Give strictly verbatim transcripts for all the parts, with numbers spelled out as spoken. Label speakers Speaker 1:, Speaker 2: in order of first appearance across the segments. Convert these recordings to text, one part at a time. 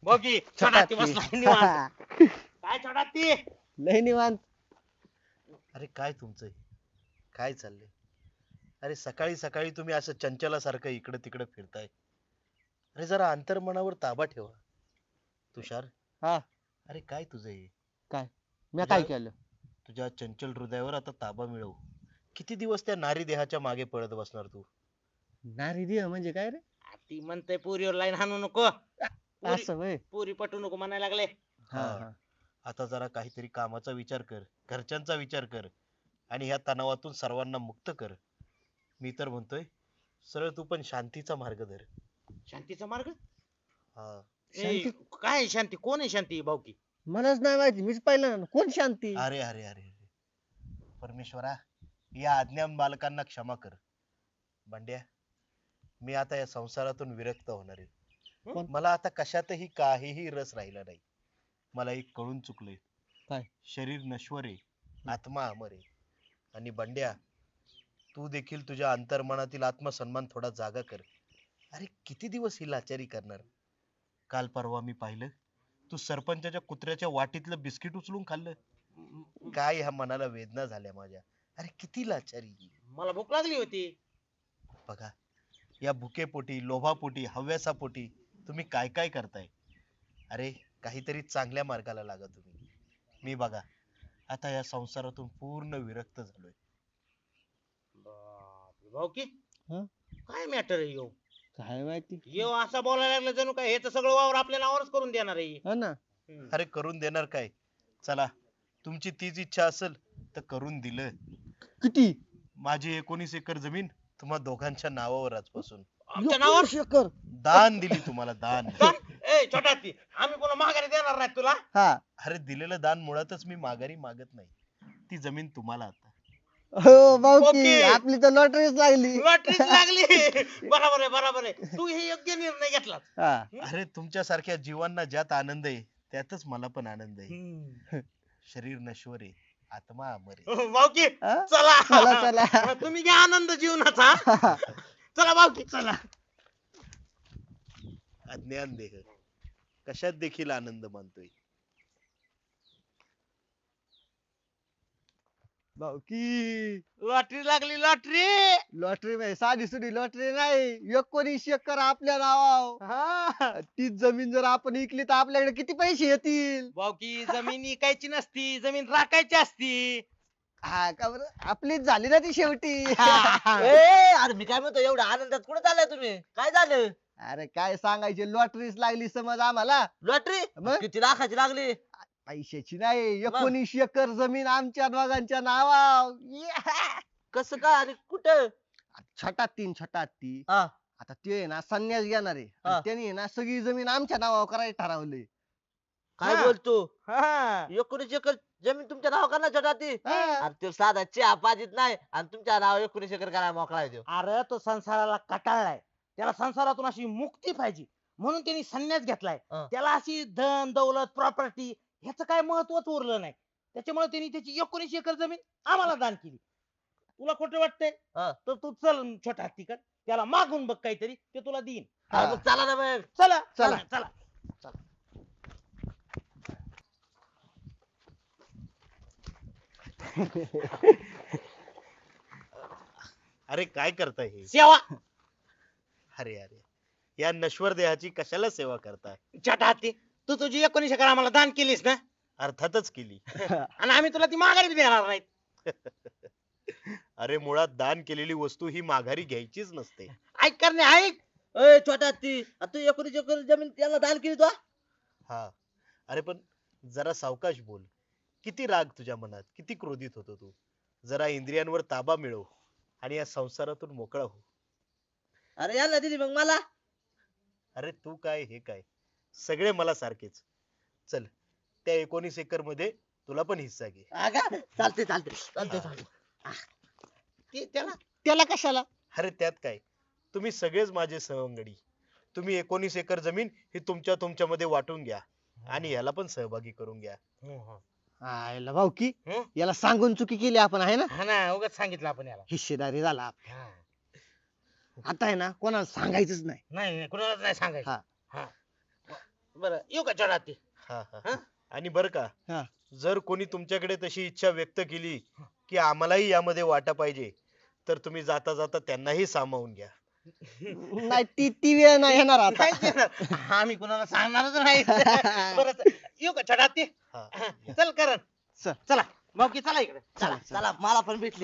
Speaker 1: Okay छोटा ती बसला निवांत. काय छोटा ती
Speaker 2: लय निवांत.
Speaker 3: अरे काय तुमचं हे? काय चाललंय? अरे सकाळी सकाळी तुम्ही असं चंचलासारखं इकडं तिकडं फिरताय. अरे जरा अंतर्मनावर ताबा ठेवा. तुषार,
Speaker 2: हा
Speaker 3: अरे काय तुझं हे?
Speaker 2: काय मी काय केलं?
Speaker 3: तुझ्या चंचल हृदयावर आता ताबा मिळव. किती दिवस त्या नारी देहाच्या मागे पळत बसणार तू?
Speaker 2: नारी देह म्हणजे काय रे?
Speaker 1: ती म्हणते पुरीवर लाईन हाणू नको, पुरी
Speaker 2: असं वय.
Speaker 1: पुरी पटू नको म्हणायला लागले.
Speaker 2: हा
Speaker 3: हा.
Speaker 2: हा.
Speaker 3: आता जरा काहीतरी कामाचा विचार कर, घरच्यांचा विचार कर आणि ह्या तणावातून सर्वांना मुक्त कर. मी तर म्हणतोय सरळ तू पण शांतीचा मार्ग धर.
Speaker 1: शांतीचा मार्ग?
Speaker 3: हा.
Speaker 1: ए,
Speaker 2: शांती?
Speaker 1: काय आहे शांती? कोण आहे शांती भाऊकी?
Speaker 2: मलाच नाही माहिती, मीच पाहिलं. कोण शांती?
Speaker 3: अरे अरे अरे अरे परमेश्वरा, या अज्ञान बालकांना क्षमा कर. बंड्या, मी आता या संसारातून विरक्त होणार आहे.
Speaker 2: कोण?
Speaker 3: मला आता कशातही काहीही रस राहिला नाही. मला एक कळून चुकलंय.
Speaker 2: काय?
Speaker 3: शरीर नश्वर आहे, आत्मा अमर आहे. आणि बंड्या, तू देखील तुझ्या अंतर्मनातील आत्मसन्मान थोडा जागा कर. अरे किती दिवस ही लाचारी करणार? काल परवा मी पाहिलं, तू सरपंचाच्या कुत्र्याच्या वाटीतलं बिस्किट उचलून खाल्लं. काय ह्या मनाला वेदना झाल्या माझ्या. अरे किती लाचारी.
Speaker 1: मला भूक लागली होती.
Speaker 3: बघा, या भुकेपोटी, लोभापोटी, हव्यासापोटी तुम्ही काय काय करताय. अरे काहीतरी चांगल्या मार्गाला लागा तुम्ही. मी बघा आता या संसारातून पूर्ण विरक्त झालोय.
Speaker 1: बापरे, भाऊकी
Speaker 2: हं?
Speaker 1: काय मॅटर आहे यो?
Speaker 2: काय माहिती.
Speaker 1: यो असा बोलायला लागला जणू काय ह्याचं सगळं वावर आपल्या नावावरच करून देणार आहे.
Speaker 2: हो ना.
Speaker 1: हम्म.
Speaker 3: अरे करून देणार काय? चला, तुमची तीच इच्छा असेल तर करून दिलं.
Speaker 2: किती?
Speaker 3: माझी एकोणीस एकर जमीन तुम्हा दोघांच्या नावावर आजपासून
Speaker 1: आमच्या नावावर
Speaker 2: शकर.
Speaker 3: दान दिली तुम्हाला, दान.
Speaker 1: दान? ए छोटा ती आम्ही कोणा माघारी देणार नाही तुला.
Speaker 2: हा.
Speaker 3: अरे दिलेलं दान मुळातच मी माघारी मागत नाही. ती जमीन तुम्हाला आता.
Speaker 2: हो भाऊकी,
Speaker 1: ओके.
Speaker 2: आपली तर लॉटरीच लागली.
Speaker 1: लॉटरीच लागली. बरोबर आहे बरोबर आहे, तू हे योग्य निर्णय घेतला.
Speaker 2: हा.
Speaker 3: अरे तुमच्यासारख्या जीवांना ज्यात आनंद आहे त्यातच मला पण आनंद आहे. शरीर नश्वर आहे, आत्मा अमर आहे.
Speaker 1: भाऊकी
Speaker 2: हा?
Speaker 1: चला
Speaker 2: चला, चला.
Speaker 1: तुम्ही घ्या आनंद जीवनाचा. चला भाऊकी चला.
Speaker 3: अज्ञान देह कशात देखील आनंद मानतोय.
Speaker 2: भाऊकी,
Speaker 1: लॉटरी लागली लॉटरी.
Speaker 2: लॉटरी म्हणजे साधी सुधी लॉटरी नाही, एकोणीस एकर आपल्या नावावर.
Speaker 1: हा
Speaker 2: तीच जमीन जर आपण विकली तर आपल्याकडे किती पैसे येतील?
Speaker 1: भाऊकी जमीन इकायची नसती, जमीन राखायची असती.
Speaker 2: हा का बरं, आपलीच झाली ना ती शेवटी.
Speaker 4: ए अरे मी काय म्हणतो, एवढ्या आनंदात कुठे चाललाय तुम्ही? काय झालं?
Speaker 2: अरे काय सांगायचे, लॉटरीच लागली समज आम्हाला.
Speaker 4: लॉटरी
Speaker 2: मग?
Speaker 4: किती लाखाची लागली?
Speaker 2: पैशाची नाही, एकोणीस एकर जमीन आमच्या दोघांच्या नावावर. Yeah!
Speaker 4: कसं काय आणि कुठं?
Speaker 2: छटात तीन छटात ती.
Speaker 4: हा.
Speaker 2: आता ते आहे ना संन्यास घेणार आहे
Speaker 4: हा.
Speaker 2: आणि त्यांनी आहे ना सगळी जमीन आमच्या नावावर करायला ठरवले.
Speaker 4: काय
Speaker 2: हा.
Speaker 4: बोलतो?
Speaker 1: हा.
Speaker 4: एकोणीस एकर जमीन तुमच्या नाव करणार छोटा ती?
Speaker 2: हा.
Speaker 4: अरे तो साधा चहा पाजीत नाही आणि तुमच्या नाव एकोणीस एकर करायला मोकळा आहे त्यो.
Speaker 1: अरे तो संसाराला कटाळलाय, त्याला संसारातून अशी मुक्ती पाहिजे म्हणून त्यांनी संन्यास घेतलाय.
Speaker 4: हा.
Speaker 1: त्याला अशी धन दौलत प्रॉपर्टी ह्याचं काय महत्वच उरलं नाही. त्याच्यामुळे त्यांनी त्याची एकोणीस एकर जमीन आम्हाला दान केली. तुला खोटं वाटतंय
Speaker 4: हा.
Speaker 1: तर तू चल छोटा हत्तीकड, त्याला मागून बघ काहीतरी, ते तुला देईन.
Speaker 2: हा.
Speaker 4: अरे मग चला ना मग.
Speaker 1: चला
Speaker 2: चला.
Speaker 1: चला चला.
Speaker 3: अरे काय करताय हे?
Speaker 1: सेवा.
Speaker 3: अरे अरे या नश्वर देहाची कशाला सेवा करताय?
Speaker 1: छोटा हत्ती, तू तुझी एकोणीस एकर आम्हाला दान केलीस ना,
Speaker 3: अर्थातच केली.
Speaker 1: आणि आम्ही तुला ती माघारी बी देणार नाहीत.
Speaker 3: अरे मुळात दान केलेली वस्तू ही माघारी घ्यायचीच नसते.
Speaker 1: ऐक करणे ऐक.
Speaker 4: ए छोटा ती तू एकोणीस एकर जमीन त्याला दान केली तू?
Speaker 3: हा. अरे पण जरा सावकाश बोल. किती राग तुझ्या मनात, किती क्रोधित होतो तू. जरा इंद्रियांवर ताबा मिळव आणि या संसारातून मोकळा हो.
Speaker 4: अरे याला दिली मग मला.
Speaker 3: अरे तू काय हे काय, सगळे मला सारखेच. चल त्या एकोणीस एकर मध्ये तुला पण हिस्सा घे.
Speaker 4: अगा चालते चालते चालते चालते.
Speaker 1: ते त्याला
Speaker 2: त्याला कशाला?
Speaker 3: अरे त्यात काय, तुम्ही सगळेच माझे सवंगडी. तुम्ही एकोणीस एकर जमीन ही तुमच्या तुमच्यामध्ये वाटून घ्या आणि याला पण सहभागी करून घ्या.
Speaker 2: आयला भाऊकी,
Speaker 1: हं?
Speaker 2: याला सांगून चुकी केली आपण आहे ना.
Speaker 1: हा ना, उगाच सांगितलं आपण याला.
Speaker 2: हिस्सेदारी झाला आपला.
Speaker 1: हा.
Speaker 2: आता आहे ना कोणाला सांगायचंच नाही.
Speaker 1: नाही नाही, कुणालाच नाही सांगायचं.
Speaker 2: हा.
Speaker 1: हा. बरं येऊ का छोटा ते
Speaker 3: हा हा
Speaker 1: हा?
Speaker 3: आणि बर का
Speaker 2: हा.
Speaker 3: जर कोणी तुमच्याकडे तशी इच्छा व्यक्त केली की आम्हालाही यामध्ये वाटा पाहिजे तर तुम्ही जाता जाता त्यांनाही सामावून घ्या.
Speaker 2: नाही ती ती वेळ नाही येणार आता.
Speaker 1: नाही देणार. आम्ही कुणाला सांगणारच नाही बरं च- येऊ का छोटा ते
Speaker 3: हा.
Speaker 1: चल करण
Speaker 2: चल.
Speaker 1: चला भाऊकी चला इकडे
Speaker 4: चला चला मला पण भेटली.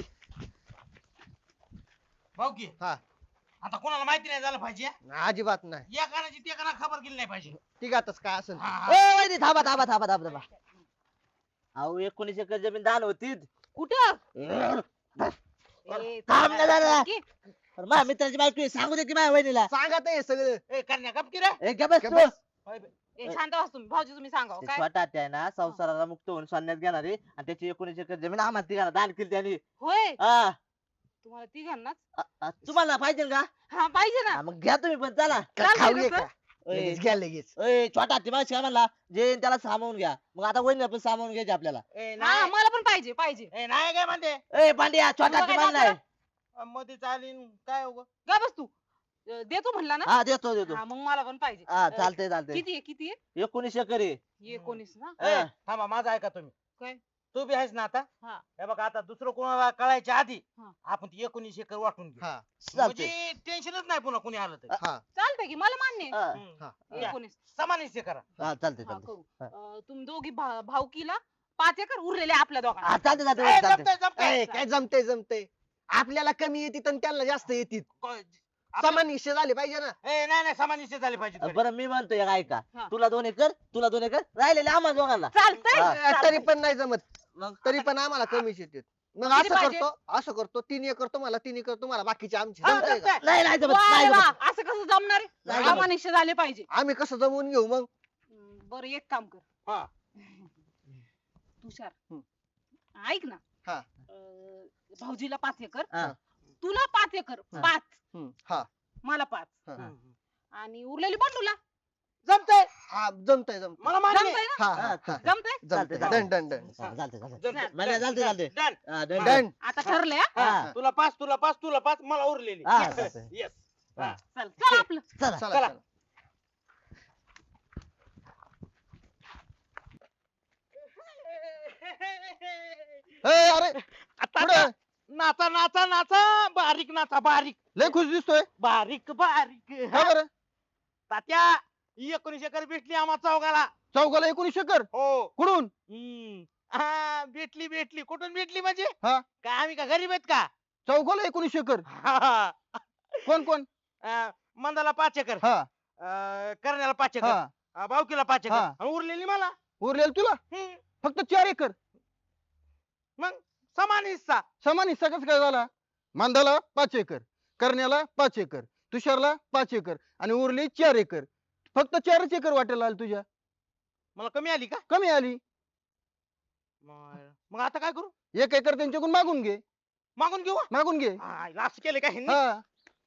Speaker 1: भाऊकी
Speaker 2: हा.
Speaker 1: आता कोणाला माहिती नाही झालं पाहिजे
Speaker 2: अजिबात नाही.
Speaker 1: या कानाची त्या काना खबर केली नाही पाहिजे
Speaker 2: तिघातच काय असेल
Speaker 1: हा,
Speaker 2: ते.
Speaker 1: हा.
Speaker 4: ए वहिनी थांबा थांबा थांबा थांबा थांबा. अहो एकोणीस एकर जमीन दान होती.
Speaker 5: कुठं ए,
Speaker 4: थांब ना जरा.
Speaker 5: की-
Speaker 4: माझ्या मित्राची बायको आहे, सांगू दे की माझ्या वहिनीला.
Speaker 2: सांगत आहे सगळं.
Speaker 1: ए कन्या गप की रे
Speaker 4: ए, गप बस
Speaker 2: गप
Speaker 4: तू.
Speaker 2: बस.
Speaker 5: ए, शांत व्हा तुम्ही भाऊजी तुम्ही सांगा
Speaker 4: ते
Speaker 5: काय
Speaker 4: छोटा आहे ना संसाराला मुक्त होऊन संन्यास घेणार आहे आणि त्याची एकोणीस एकर जमीन आम्हाला तिघांना दान केली त्यांनी.
Speaker 5: होय
Speaker 4: हा.
Speaker 5: तुम्हाला ती घालणार
Speaker 4: अ- अ, तुम्हाला पाहिजे का?
Speaker 5: हा पाहिजे ना
Speaker 4: हा, मग घ्या तुम्ही पण चला.
Speaker 2: का
Speaker 5: चालतंय
Speaker 2: खाऊया
Speaker 5: कसं?
Speaker 2: का? लगेच घ्या लगेच.
Speaker 4: ए, छोटा ते माणूस काय म्हणला जे येईन त्याला सामावून घ्या. मग आता वहिनी पण सामावून घ्यायचे आपल्याला.
Speaker 1: ए
Speaker 5: हा
Speaker 1: नाही
Speaker 5: मला पण पाहिजे पाहिजे
Speaker 1: ए नाही काय म्हणते
Speaker 4: ए पांड्या छोटा
Speaker 5: तुला
Speaker 4: ते
Speaker 5: काय
Speaker 4: म्हणलाय.
Speaker 5: दाखवलं?
Speaker 1: मध्ये चालीन काय उग
Speaker 5: गा बस तू अ, देतो म्हणला ना
Speaker 4: हा देतो देतो.
Speaker 5: हा मग मला पण पाहिजे
Speaker 4: हा
Speaker 5: अ,
Speaker 4: चालतंय चालतंय.
Speaker 5: किती आहे किती आहे
Speaker 4: एकोणीस एकर आहे.
Speaker 5: एकोणीस ना
Speaker 1: ए,
Speaker 4: हा.
Speaker 1: थांबा माझा ऐका तुम्ही
Speaker 5: काय?
Speaker 1: तू बी आहेस ना आता
Speaker 5: हा.
Speaker 1: हे बघा आता दुसरं कोणाला कळायच्या आधी
Speaker 5: हा.
Speaker 1: आपण ती एकोणीस एकर वाटून घेऊ
Speaker 2: हा
Speaker 4: चालतंय.
Speaker 1: म्हणजे टेन्शनच नाही पुन्हा कोणी आलं तरी
Speaker 2: हा
Speaker 5: चालतंय की मला मान्य आहे.
Speaker 4: हा.
Speaker 1: हम्म.
Speaker 2: हा.
Speaker 1: द्या.
Speaker 5: एकोणीस
Speaker 1: समान हिस्से करा
Speaker 4: हा चालतंय
Speaker 5: हा
Speaker 4: चालतंय.
Speaker 5: करू
Speaker 4: हा.
Speaker 5: अ, तुम्ही दोघी भा- भाऊकीला पाच एकर उरलेले आपल्या दोघांना
Speaker 4: हा चालतंय
Speaker 1: ए,
Speaker 4: चालतंय चालतंय.
Speaker 1: जमतंय, जमतंय.
Speaker 2: ए, काय जमते जमते. आपल्याला कमी येतील आणि त्यांना जास्त येतील.
Speaker 1: को-
Speaker 2: समान हिस्से झाले पाहिजे ना.
Speaker 1: ए नाही नाही समान हिस्से झाले पाहिजे थोडे.
Speaker 4: बरं मी म्हणतोय एक ऐका
Speaker 5: हा.
Speaker 4: तुला दोन एकर तुला दोन एकर राहिलेले आम्हाला दोघांना.
Speaker 5: चालतंय
Speaker 4: हा.
Speaker 2: ए,
Speaker 5: चालतंय.
Speaker 2: तरी पण नाही जमत.
Speaker 4: मग
Speaker 2: तरी पण आम्हाला कमीच येतील. मग
Speaker 5: किती
Speaker 2: असं
Speaker 5: पाहिजे?
Speaker 2: करतो असं करतो तीन एकर तुम्हाला तीन एकर तुम्हाला बाकीचे आमचे
Speaker 1: हा,
Speaker 2: जमतंय का?
Speaker 1: जमतंय.
Speaker 4: नाही नाही जमत
Speaker 5: वा
Speaker 4: नाही
Speaker 5: रे वा,
Speaker 4: जमत.
Speaker 5: असं कसं जमणार आहे?
Speaker 4: नाही जमत.
Speaker 5: आम्हाला निश्चय झाले पाहिजे
Speaker 2: आम्ही कसं जमवून घेऊ मग.
Speaker 5: हम्म, बरं एक काम कर
Speaker 1: हा.
Speaker 5: तुषार
Speaker 2: हम्म.
Speaker 5: ऐक ना
Speaker 2: हा.
Speaker 5: अं, भाऊजीला पाच एकर
Speaker 4: हा.
Speaker 5: तुला पाच एकर
Speaker 4: हा.
Speaker 5: पाच
Speaker 2: हम्म, हा
Speaker 5: मला पाच
Speaker 2: हा.
Speaker 1: हम्म.
Speaker 5: आणि उरलेली बंडूला
Speaker 1: जमतंय
Speaker 2: हा जमतंय जमतंय.
Speaker 1: मला मान्य आहे.
Speaker 5: जमतंय ना
Speaker 2: हा
Speaker 4: हा,
Speaker 2: हा हा.
Speaker 5: जमतंय
Speaker 2: जमतंय.
Speaker 4: चालतंय.
Speaker 2: Done done done.
Speaker 4: हा, चालतंय चालतंय.
Speaker 1: जमतंय.
Speaker 4: मला चालतंय चालतंय.
Speaker 1: डन.
Speaker 4: हा, डन, डन.
Speaker 2: डन.
Speaker 5: आता ठरलंय हा?
Speaker 1: हा,
Speaker 2: हा.
Speaker 1: तुला पाच तुला पाच तुला पाच मला उरलेली
Speaker 4: हा, चालतंय.
Speaker 1: येस
Speaker 4: हा.
Speaker 5: चल चल आपलं
Speaker 4: चला
Speaker 2: चला
Speaker 1: चला.
Speaker 2: चला. ए, अरे
Speaker 1: आता
Speaker 2: पुढे
Speaker 1: आता नाचा नाचा नाचा बारीक नाचा बारीक
Speaker 2: लय खुश दिसतोय.
Speaker 1: बारीक बारीक
Speaker 2: का बरं?
Speaker 1: तात्या एकोणीस एकर भेटली आम्हा चौघाला
Speaker 2: चौघाला एकोणीस एकर
Speaker 1: हो
Speaker 2: कुठून?
Speaker 1: हम्म. हा भेटली भेटली कुठून भेटली म्हणजे
Speaker 2: हा.
Speaker 1: काय आम्ही का गरीब आहेत का
Speaker 2: चौघाला एकोणीस एकर.
Speaker 1: हा, हा.
Speaker 2: कोण कोण?
Speaker 1: अं, मंदाला पाच एकर
Speaker 2: हा
Speaker 1: अं, करण्याला पाच एकर
Speaker 2: हा
Speaker 1: अं, बावकीला पाच एकर
Speaker 2: हा.
Speaker 1: आणि उरलेली मला
Speaker 2: उरलेल तुला
Speaker 1: हम्म.
Speaker 2: फक्त चार एकर.
Speaker 1: मग समान हिस्सा
Speaker 2: समान हिस्सा कसं काय झाला? मांदाला पाच एकर, करण्याला पाच एकर, तुषारला पाच एकर आणि उरली चार एकर. फक्त चारच एकर वाटेला आली तुझ्या.
Speaker 1: मला कमी आली का
Speaker 2: कमी आली.
Speaker 1: मग मग आता काय करू
Speaker 2: एक एकर त्यांच्याकडून मागून घे.
Speaker 1: मागून घेऊ
Speaker 2: मागून घे.
Speaker 1: लास्ट केले का ह्यांनी?
Speaker 2: हा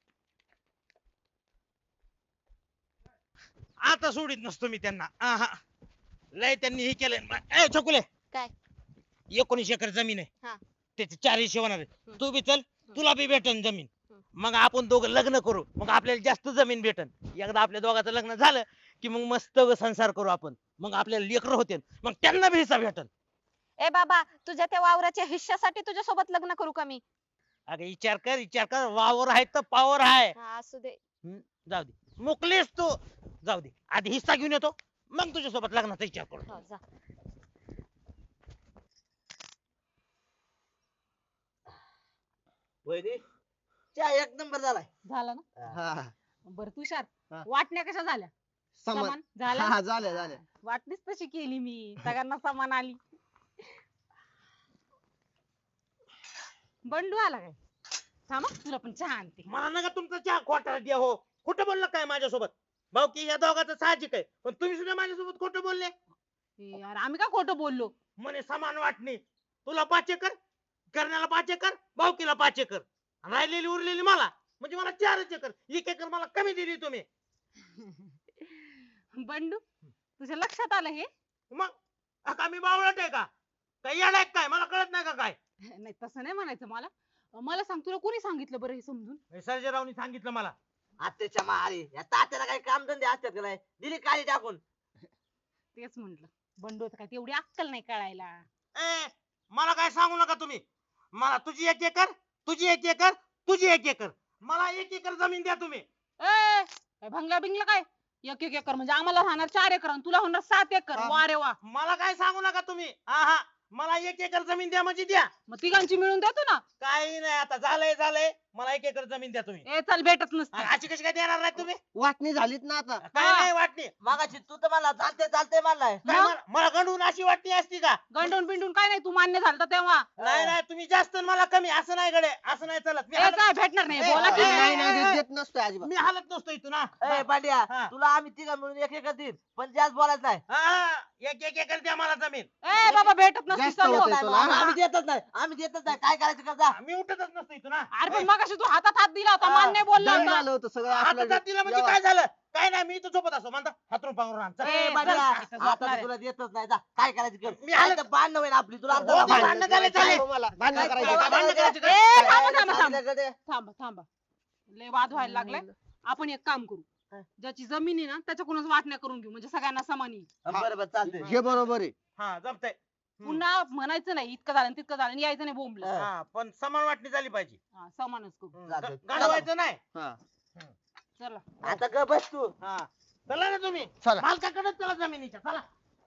Speaker 1: आता सोडित नसतो मी त्यांना आहा. लय त्यांनी हे केलंय ए छकुले
Speaker 5: काय?
Speaker 1: एकोणीस एकर जमीन आहे
Speaker 5: हा.
Speaker 1: त्याचे चार हिस्से होणार आहे
Speaker 5: हम्म.
Speaker 1: तू बी चल तुला बी भेटन जमीन
Speaker 5: हम्म.
Speaker 1: मग आपण दोघं लग्न करू मग आपल्याला जास्त जमीन भेटन एकदा आपल्या दोघांचं लग्न झालं की मग मस्त संसार करू आपण मग आपल्याला लेकरं होते मग त्यांना बी हिस्सा भेटन
Speaker 6: ए बाबा तुझ्या त्या वावराच्या हिश्श्यासाठी तुझ्या सोबत लग्न करू का मी?
Speaker 1: अगं विचार कर विचार कर वावर आहे तर पावर आहे
Speaker 6: हा असू दे.
Speaker 1: जाऊ दे मोकलीस तू जाऊ दे आधी हिस्सा घेऊन येतो मग तुझ्या सोबत लग्नाचा विचार करू
Speaker 6: हो, जा.
Speaker 4: वहिनी चहा एक नंबर झालाय.
Speaker 5: झालं ना
Speaker 2: हा
Speaker 5: बरं तुषार
Speaker 2: हा.
Speaker 5: वाटण्या कशा झाल्या
Speaker 2: समान.
Speaker 5: समान झाल्या
Speaker 2: हा झाल्या झाल्या.
Speaker 5: वाटणीच तशी केली मी सगळ्यांना समान आली बंडू आला काय थांबा तुला पण चहा आणते
Speaker 1: मला नका तुमचा चहा खोटा द्या हो खोटं बोललं काय माझ्यासोबत भाऊ की या दोघांचं साहजिक आहे पण तुम्ही सुद्धा माझ्यासोबत खोटं बोलले
Speaker 5: ए, यार आम्ही का खोटं बोललो
Speaker 1: म्हणे समान वाटणी तुला पाच एकर करण्याला पाच एकर भाऊकीला पाच एकर राहिलेली उरलेली मला म्हणजे मला चारच एकर एक एकर मला कमी दिली तुम्ही
Speaker 5: बंडू तुझ्या लक्षात आलं हे
Speaker 1: मग अका मी बावळट आहे का काय येडाय काय मला कळत नाही का काय
Speaker 5: नाही तसं नाही म्हणायचं मला मला सांग तुला कोणी सांगितलं बरं हे समजून
Speaker 1: हे सर्जेरावनी सांगितलं मला
Speaker 4: आत्याच्या मारी या तात्याला काही काम धंदे असतात का नाही दिली काळी टाकून.
Speaker 5: तेच म्हंटल बंडू काय तेवढी अक्कल नाही कळायला.
Speaker 1: ए मला काय सांगू नका तुम्ही. मला तुझी एक एकर, तुझी एक एकर, तुझी एक एकर, मला एक एकर जमीन द्या तुम्ही.
Speaker 5: ए काय भंगला बिंगला काय एक एक एकर म्हणजे आम्हाला राहणार चार एकर आणि तुला होणार सात एकर.
Speaker 1: हा.
Speaker 5: वा रे वा.
Speaker 1: मला काय सांगू नका तुम्ही. हा हा मला एक एकर जमीन द्या म्हणजे द्या.
Speaker 5: मग तिघांची मिळून देतो ना.
Speaker 1: काही नाही आता झालंय झालंय. मला एक एकर जमीन द्या तुम्ही.
Speaker 5: ए चल भेटत नसते.
Speaker 1: अ- अशी कशी काय देणार नाही तुम्ही.
Speaker 4: वाटणी झालीत ना आता.
Speaker 1: काय
Speaker 5: हा.
Speaker 1: नाही वाटणी.
Speaker 4: मागाशी तू तर मला चालते चालते म्हणलाय.
Speaker 1: काय
Speaker 5: मग?
Speaker 1: मला- मला गंडून अशी वाटणी असती का.
Speaker 5: गंडून बिंडून काय नाही तू मान्य झालता तेव्हा.
Speaker 1: नाही नाही तुम्ही जास्त आणि मला कमी असं नाही गडे. असं नाही चलत. मी
Speaker 5: ए
Speaker 1: हालत-
Speaker 5: काय भेटणार नाही
Speaker 1: ए,
Speaker 5: बोला की.
Speaker 1: ए,
Speaker 4: नाही
Speaker 1: ए,
Speaker 4: नाही
Speaker 1: ए,
Speaker 4: देत नसतोय अजिबात.
Speaker 1: मी हालत नसतो इथून हा.
Speaker 4: ए पांड्या
Speaker 1: हा.
Speaker 4: तुला आम्ही तिघं मिळून एक एक देईन पण जास्त बोलायचं नाही.
Speaker 1: हा, एक एक एकर द्या मला जमीन.
Speaker 5: ए बाबा भेटत नसते
Speaker 2: जास्त
Speaker 5: चल.
Speaker 2: होतंय
Speaker 4: नाही,
Speaker 2: तुला.
Speaker 4: आम्ही आम्ही देतच नाही आम्ही देतच नाही काय करायचं कर जा.
Speaker 1: मी उठतच नसतो इथून हा.
Speaker 5: अरे पण मगाशी तू हातात हात दिला होता
Speaker 1: हा.
Speaker 5: मान्य बोलला
Speaker 2: दंड
Speaker 5: होता.
Speaker 2: झालं होतं सगळं
Speaker 1: आता
Speaker 2: आपलं
Speaker 1: जात दिलं म्हणजे काय झालं. काय नाही मी इथं झोपत असतो म्हणता हातरून पांघरून आण. चल.
Speaker 5: ए,
Speaker 4: ए
Speaker 5: चल,
Speaker 4: पांड्या
Speaker 5: इथं झोपणार
Speaker 4: आता
Speaker 5: आहे.
Speaker 4: तर तुला देतच नाही जा काय करायचं कर.
Speaker 1: मी आलं-
Speaker 4: नाही तर भांडणं होईल आपली तुला
Speaker 1: हो,
Speaker 4: आमचं
Speaker 1: भांडणं
Speaker 4: भांडणं
Speaker 1: झाले, झाले.
Speaker 2: भांडण
Speaker 4: काय
Speaker 2: करायचं
Speaker 4: करायचं?
Speaker 2: का?
Speaker 1: भांडणं करायचं का?
Speaker 5: ए थांबा थांबा थांबा
Speaker 4: सांगितलं
Speaker 5: थांबा थांबा लय वाद व्हायला लागलाय. आपण एक काम करू ज्याची जमीन आहे ना त्याच्याकडूनच वाटण्या करून घेऊ म्हणजे सगळ्यांना समान येईल.
Speaker 4: कधी. बरं बरं चालतंय.
Speaker 2: हे बरोबर आहे.
Speaker 1: हा जमतंय.
Speaker 5: पुन्हा म्हणायचं नाही इतकं झालं आणि तितकं झालं आणि यायचं नाही बोंबलं.
Speaker 4: हा.
Speaker 1: हा पण समान वाटणी झाली पाहिजे.
Speaker 5: हा, समानच करू.
Speaker 4: चालतंय.
Speaker 1: गाडवायचं नाही.
Speaker 2: हा.
Speaker 5: चला
Speaker 4: आता ग बस तू.
Speaker 1: हा चला ना तुम्ही.
Speaker 2: चला.
Speaker 1: मालकाकडेच चला जमिनीच्या चला.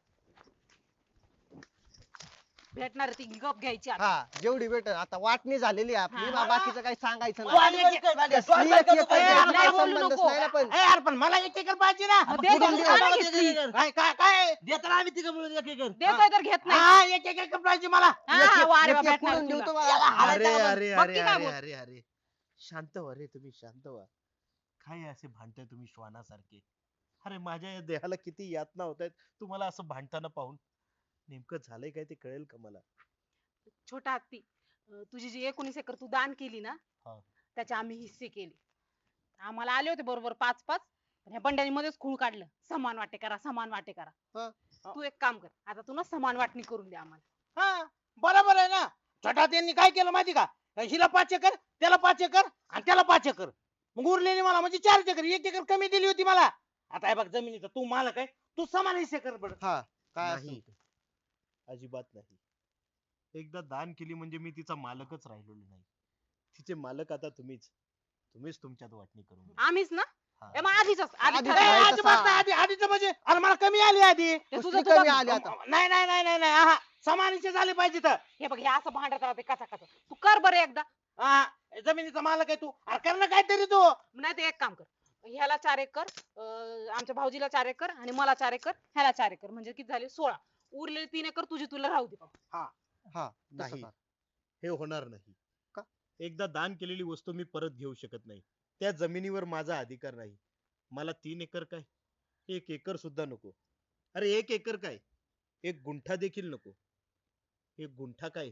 Speaker 5: भेटणार ती गप घ्यायची आता.
Speaker 2: हा जेवढी भेट आता वाटणी झालेली आहे आपली
Speaker 5: हा.
Speaker 2: बा- बाकीचं काही सांगायचं
Speaker 4: तू
Speaker 2: नाही.
Speaker 4: आली बरं काय पांड्या?
Speaker 2: कसली
Speaker 4: तू
Speaker 2: एक
Speaker 4: आली
Speaker 2: एकर
Speaker 4: बरं
Speaker 5: ए,
Speaker 4: काय?
Speaker 2: याचा काही
Speaker 5: आपल्याला बोलू
Speaker 2: संबंधच
Speaker 5: नको.
Speaker 2: नाही ना पण.
Speaker 1: ए यार पण मला एक एकर पाहिजे ना.
Speaker 5: मग दे
Speaker 4: कुठून
Speaker 5: तू
Speaker 4: दे?
Speaker 5: का नाही
Speaker 4: आम्हाला
Speaker 5: घेतली?
Speaker 4: दे, दे, दे.
Speaker 1: काय काय काय
Speaker 4: देताना आम्ही तिघं मिळून एक एक कर.
Speaker 5: देतोय तर घेत नाही.
Speaker 1: हा एक एक एकर पाहिजे मला.
Speaker 5: हा,
Speaker 2: एक- एक-
Speaker 5: वा रे वा,
Speaker 2: एक- एक
Speaker 5: भेटणार
Speaker 2: करून देऊ
Speaker 5: तुला.
Speaker 2: तुम्हाला.
Speaker 4: याला
Speaker 3: अरे
Speaker 4: हाणायचं
Speaker 3: अरे
Speaker 5: बघ
Speaker 3: अरे
Speaker 5: की काय
Speaker 3: अरे
Speaker 5: बोल-
Speaker 3: अरे अरे शांत व्हा रे तुम्ही शांत व्हा. काय असे भांडताय तुम्ही श्वानासारखे. अरे माझ्या या देहाला किती यातना होत आहेत तुम्हाला असं भांडताना पाहून. नेमकं झालंय काय ते कळेल का मला.
Speaker 5: छोटा हत्ती अं, तुझी जी एकोणीस एकर तू दान केली ना
Speaker 3: हा.
Speaker 5: त्याचे आम्ही हिस्से केले. आम्हाला आले होते बरोबर पाच पाच पण ह्या बंड्यानी मध्येच खूळ काढलं समान वाटे करा समान वाटे
Speaker 2: हा.
Speaker 5: करा. तू एक काम कर आता तू ना समान वाटणी करून दे आम्हाला.
Speaker 1: हा बरोबर आहे ना. छोटा त्यांनी काय केलं माहिती का. हिला पाच एकर त्याला पाच एकर आणि त्याला पाच एकर मग उरलेली मला म्हणजे चार एकर एक एकर कमी दिली होती मला. आता हे बघ जमिनीचा तू मालक आहे तू समान हिस्से कर बरं.
Speaker 2: हा काय
Speaker 3: नाही.
Speaker 2: असेल ते.
Speaker 3: अजिबात नाही. एकदा दान केली म्हणजे मी तिचा मालकच राहिलेलो नाही. तिचे मालक आता तुम्हीच. तुम्हीच तुमच्यात वाटणी करून घ्या.
Speaker 5: आम्हीच ना
Speaker 3: हा.
Speaker 5: ए, मग आधीच आधी
Speaker 2: आधीच
Speaker 1: ए,
Speaker 5: ठरवलं.
Speaker 2: आहे.
Speaker 1: अजिबात नाही आधी आधीच म्हणजे अरे मला कमी आली आधी.
Speaker 5: ते तुझं
Speaker 2: कसली
Speaker 5: तुझं
Speaker 2: कमी आली आता.
Speaker 1: नाही नाही नाही नाही नाही हा समान हिस्से झाले पाहिजे तर.
Speaker 5: हे बघ हे असं भांडत राहते कचा कचा तू कर बरं एकदा.
Speaker 1: हा जमिनीचा मालक आहे तू. अरे कर ना काहीतरी तू.
Speaker 5: नाही तर एक काम कर ह्याला चार एकर अं, आमच्या भाऊजीला चार एकर आणि मला चार एकर ह्याला चार एकर म्हणजे किती झाले सोळा. उरलेले तीन एकर तुझी तुला राहू दे बाबा.
Speaker 2: हा तसं
Speaker 3: नाही
Speaker 2: करा.
Speaker 3: हे होणार नाही.
Speaker 2: का?
Speaker 3: एकदा दान केलेली वस्तू मी परत घेऊ शकत नाही. त्या जमिनीवर माझा अधिकार नाही. मला तीन एकर काय एक एकर सुद्धा नको. अरे एक एकर काय एक गुंठा देखील नको. एक गुंठा काय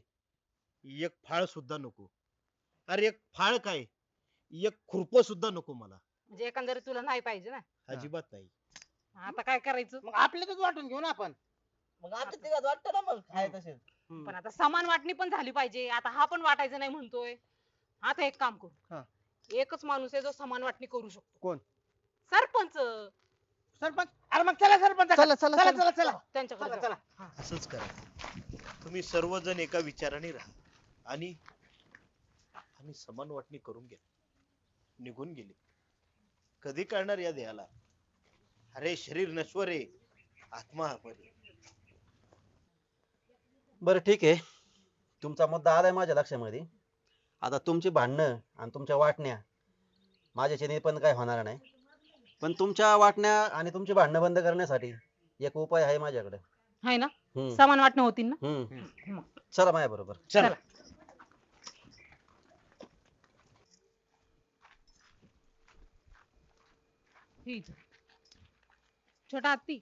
Speaker 3: एक फाळ सुद्धा नको. अरे एक फाळ काय एक खुरप सुद्धा नको मला.
Speaker 5: म्हणजे एकंदरीत तुला नाही पाहिजे ना.
Speaker 3: अजिबात नाही.
Speaker 5: आता काय करायचं.
Speaker 1: मग आपल्यातच वाटून घेऊ ना आपण.
Speaker 4: मग आता तिघात वाटतं ना मग काय तसे.
Speaker 5: पण आता समान वाटणी पण झाली पाहिजे. आता हा पण वाटायचं नाही म्हणतोय. आता एक काम
Speaker 2: हा.
Speaker 5: करू एकच माणूस आहे जो समान वाटणी करू शकतो.
Speaker 2: कोण?
Speaker 5: सरपंच.
Speaker 1: सरपंच अरे मग चला सरपंच
Speaker 2: चला चला
Speaker 1: चला
Speaker 2: चला
Speaker 1: चला चला
Speaker 5: त्यांच्याकडे
Speaker 1: चला
Speaker 5: जाऊ.
Speaker 1: चला.
Speaker 3: असंच करा. तुम्ही सर्वजण एका विचाराने राहा आणि आणि समान वाटणी करून घ्या. निघून गेले. कधी कळणार या देहाला. अरे शरीर नश्वर आहे आत्मा अमर आहे.
Speaker 7: बरं ठीक आहे तुमचा मुद्दा आलाय माझ्या लक्षामध्ये. आता तुमची भांडणं आणि तुमच्या वाटण्या माझ्याच्याने पण काय होणार नाही. पण तुमच्या वाटण्या आणि तुमची भांडणं बंद करण्यासाठी एक उपाय आहे माझ्याकडे.
Speaker 5: हाय ना
Speaker 7: हम्म
Speaker 5: समान वाटणं होतील ना.
Speaker 7: हम्म चला माझ्या बरोबर.
Speaker 1: चला
Speaker 5: ठीक आहे. छोटा हत्ती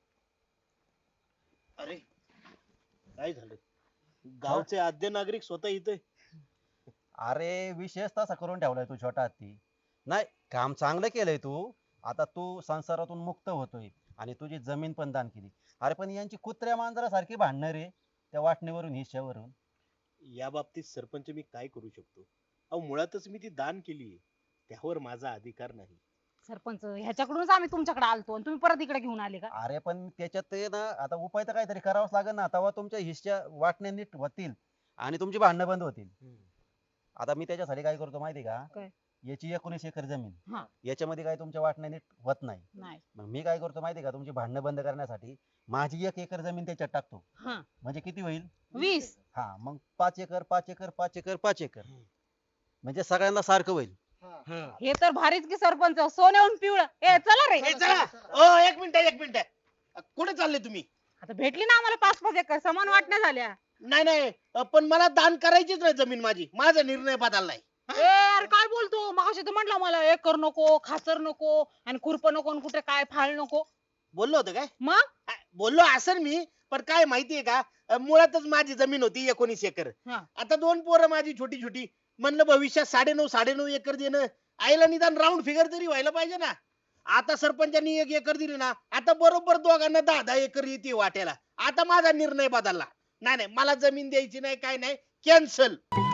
Speaker 3: अरे काय झालं. गावचे आद्य नागरिक स्वतः इथे.
Speaker 7: अरे विशेष तसा करून ठेवलाय तू छोटा हत्ती. नाही काम चांगलं केलंय तू. आता तू संसारातून मुक्त होतोय आणि तुझी जमीन पण दान केली. अरे पण यांची कुत्र्या मांजरासारखी भांडणं रे त्या वाटणीवरून हिश्श्यावरून.
Speaker 3: या बाबतीत सरपंच मी काय करू शकतो. अहो मुळातच मी ती दान केली त्यावर माझा अधिकार नाही.
Speaker 5: सरपंच ह्याच्याकडूनच आम्ही तुमच्याकडे आलतो आणि तुम्ही परत इकडे घेऊन आले का?
Speaker 7: अरे पण त्याच्यात ते ना आता उपाय तर काहीतरी करावाच लागेल ना, तेव्हा तुमच्या हिश्श्या वाटण्या नीट होतील आणि तुमची भांडणं बंद होतील. आता मी त्याच्यासाठी काय करतो माहिती
Speaker 5: काय?
Speaker 7: का, याची एकोणीस एकर जमीन,
Speaker 5: हा.
Speaker 7: याच्यामध्ये काय तुमच्या वाटण्या नीट होत नाही.
Speaker 5: नाही.
Speaker 7: मग मी काय करतो माहिती का, तुमची भांडणं बंद करण्यासाठी माझी एक एकर जमीन त्याच्यात टाकतो.
Speaker 5: हा.
Speaker 7: म्हणजे किती होईल?
Speaker 5: वीस.
Speaker 7: हा, मग पाच एकर पाच एकर पाच एकर पाच एकर म्हणजे सगळ्यांना सारखं होईल.
Speaker 5: हे तर भारीच की सरपंच, सोन्याहून पिवळं. ए चला रे.
Speaker 1: ए, चला ओ एक मिनिट एक मिनिट कुठे चालले तुम्ही?
Speaker 5: आता भेटली ना आम्हाला पाच पाच एकर, समान वाटण्या झाल्या.
Speaker 1: नाही नाही अ, पण मला दान करायचीच नाही जमीन माझी. माझा निर्णय बदललाय.
Speaker 5: ए यार काय बोलतो, मगाशी तर म्हटलं मला एकर नको, खाचर नको आणि खुरप नको आणि कुठे काय फाळ नको.
Speaker 1: बोललो होतो काय?
Speaker 5: मग
Speaker 1: आ, बोललो असेल मी, पण काय माहितीये का, अ, मुळातच माझी जमीन होती एकोणीस एकर.
Speaker 5: हा.
Speaker 1: आता दोन पोरं माझी छोटी छोटी, म्हणलं भविष्यात साडे नऊ साडे नऊ एकर देणं, आईला निदान राऊंड फिगर तरी व्हायला पाहिजे ना. आता सरपंचांनी एक एकर दिली ना, आता बरोबर दोघांना दहा दहा एकर येते वाट्याला. आता माझा निर्णय बदलला. नाही नाही मला जमीन द्यायची नाही, काय नाही, कॅन्सल.